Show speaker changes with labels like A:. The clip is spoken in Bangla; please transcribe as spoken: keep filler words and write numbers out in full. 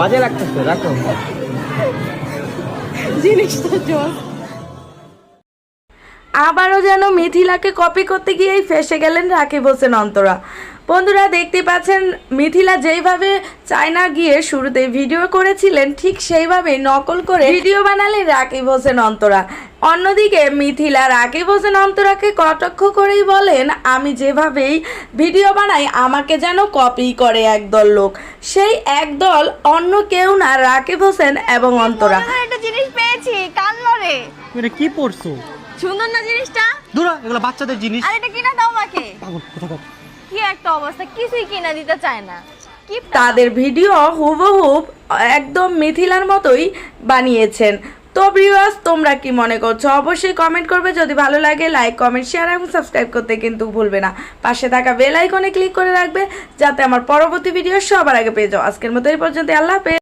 A: বাজে লাগতেছে, রাখো।
B: জিনিসটা জোস। আবারও যেন মিথিলাকে কপি করতে গিয়েই ফেসে গেলেন রাকিব হোসেন অন্তরা। বন্ধুরা দেখতে পাচ্ছেন মিথিলা যেইভাবে চায়না গিয়ে শুরুতে ভিডিও করেছিলেন ঠিক সেইভাবেই নকল করে ভিডিও বানালেন রাকিব হোসেন অন্তরা। অন্যদিকে মিথিলা রাকিব হোসেন অন্তরাকে কটাক্ষ করেই বলেন, আমি যেভাবেই ভিডিও বানাই আমাকে যেন কপি করে একদল লোক। সেই একদল অন্য কেউ না, রাকিব হোসেন এবং অন্তরা।
C: একটা জিনিস পেয়েছি, কান লরে।
A: এটা কি পড়ছো?
C: সুন্দর না জিনিসটা?
A: দূরা, এগুলো বাচ্চাদের জিনিস।
C: আর এটা কিনা দাও আমাকে।
A: পাগল কোথাকার।
C: কি একটা অবস্থা, কিছুই কিনা দিতে চায় না। কি
B: তাদের ভিডিও হুবহুব একদম মিথিলার মতোই বানিয়েছেন। তো ভিউয়ার্স, তোমরা কি মনে করছো অবশ্যই কমেন্ট করবে। যদি ভালো লাগে লাইক, কমেন্ট, শেয়ার এবং সাবস্ক্রাইব করতে কিন্তু ভুলবে না। পাশে থাকা বেল আইকনে ক্লিক করে রাখবে যাতে আমার পরবর্তী ভিডিও সবার আগে পেয়ে যাও। আজকের মতো এই পর্যন্ত, আল্লাহ হাফেজ।